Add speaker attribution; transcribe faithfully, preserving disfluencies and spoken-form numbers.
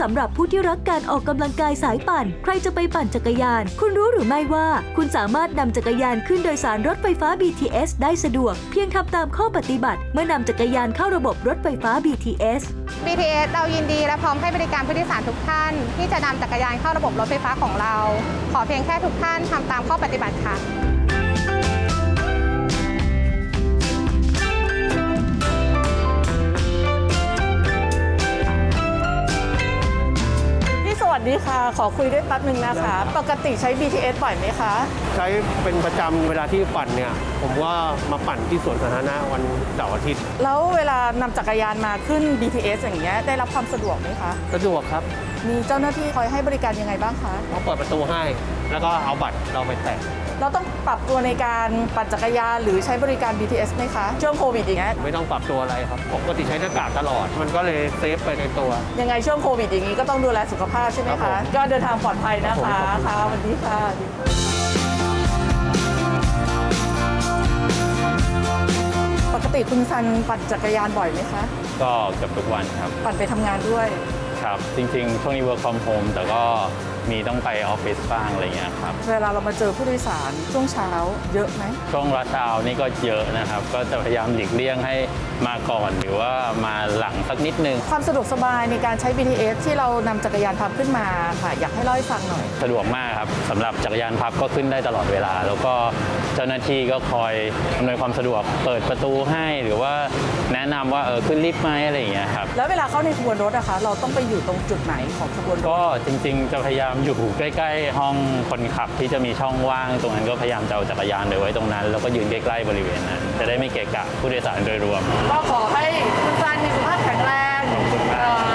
Speaker 1: สำหรับผู้ที่รักการออกกำลังกายสายปั่นใครจะไปปั่นจักรยานคุณรู้หรือไม่ว่าคุณสามารถนำจักรยานขึ้นโดยสารรถไฟฟ้า บี ที เอส ได้สะดวกเพียงทำตามข้อปฏิบัติเมื่อนำจักรยานเข้าระบบรถไฟฟ้า บี ที เอส
Speaker 2: บี ที เอส เรายินดีและพร้อมให้บริการผู้โดยสารทุกท่าน ที่จะนำจักรยานเข้าระบบรถไฟฟ้าของเรา ขอเพียงแค่ทุกท่านทำตามข้อปฏิบัติค่ะ
Speaker 3: สวัสดีค่ะขอคุยด้วยแป๊บนึงนะคะปกติใช้ บี ที เอส บ่อยไหมคะ
Speaker 4: ใช้เป็นประจำเวลาที่ปั่นเนี่ยผมว่ามาปั่นที่สวนสาธารณะวันเสาร์อาทิตย์
Speaker 3: แล้วเวลานำจักรยานมาขึ้น บี ที เอส อย่างเงี้ยได้รับความสะดวกไหมคะ
Speaker 4: สะดวกครับ
Speaker 3: มีเจ้าหน้าที่คอยให้บริการยังไงบ้างคะ
Speaker 4: เขาเปิดประตูให้แล้วก็เอาบัตรเราไปแตะ
Speaker 3: เราต้องปรับตัวในการปั่นจักรยานหรือใช้บริการ บี ที เอส ไหมคะช่วงโควิดอย่างเงี้ย
Speaker 4: ไม่ต้องปรับตัวอะไรครับปกติใช้หน้ากากตลอดมันก็เลยเซฟไปในตัว
Speaker 3: ยังไงช่วงโควิดอย่างนี้ก็ต้องดูแลสุขภาพใช่ไหมคะก็เดินทางปลอดภัยนะคะค่ะสวัสดีค่ะปกติคุณซันปั่นจักรยานบ่อยไหมคะ
Speaker 5: ก็เกือบทุกวันครับ
Speaker 3: ปั่นไปทำงานด้วย
Speaker 5: ครับจริงๆช่วงนี้ work from home แต่ก็มีต้องไปออฟฟิศบ้างอะไรเงี้ยครับ
Speaker 3: เวลาเรามาเจอผู้โดยสารช่วงเช้าเยอะไหม
Speaker 5: ช่วงรัชเอานี่ก็เยอะนะครับก็จะพยายามหลีกเลี่ยงให้มาก่อนหรือว่ามาหลังสักนิดนึง
Speaker 3: ความสะดวกสบายในการใช้ บี ที เอส ที่เรานำจักรยานพับขึ้นมาค่ะอยากให้เล่าให้ฟังหน่อย
Speaker 5: สะดวกมากครับสำหรับจักรยานพับก็ขึ้นได้ตลอดเวลาแล้วก็เจ้าหน้าที่ก็คอยอำนวยความสะดวกเปิดประตูให้หรือว่าแนะนำว่าเออขึ้นลิฟต์ไหมอะไรอย่างเงี้ยครับ
Speaker 3: แล้วเวลาเข้าในขบวนรถนะคะเราต้องไปอยู่ตรงจุดไหนของขบวนรถ
Speaker 5: ก็จริงๆจะพยายามอยู่ใกล้ๆห้องคนขับที่จะมีช่องว่างตรงนั้นก็พยายามจะเอาจักรยานไปไว้ตรงนั้นแล้วก็ยืนใกล้ๆบริเวณนั้นจะได้ไม่เกะกะผู้โดยสารโดยรวม
Speaker 3: ก็ขอให้คุณซันมีสุขภาพแข็งแรง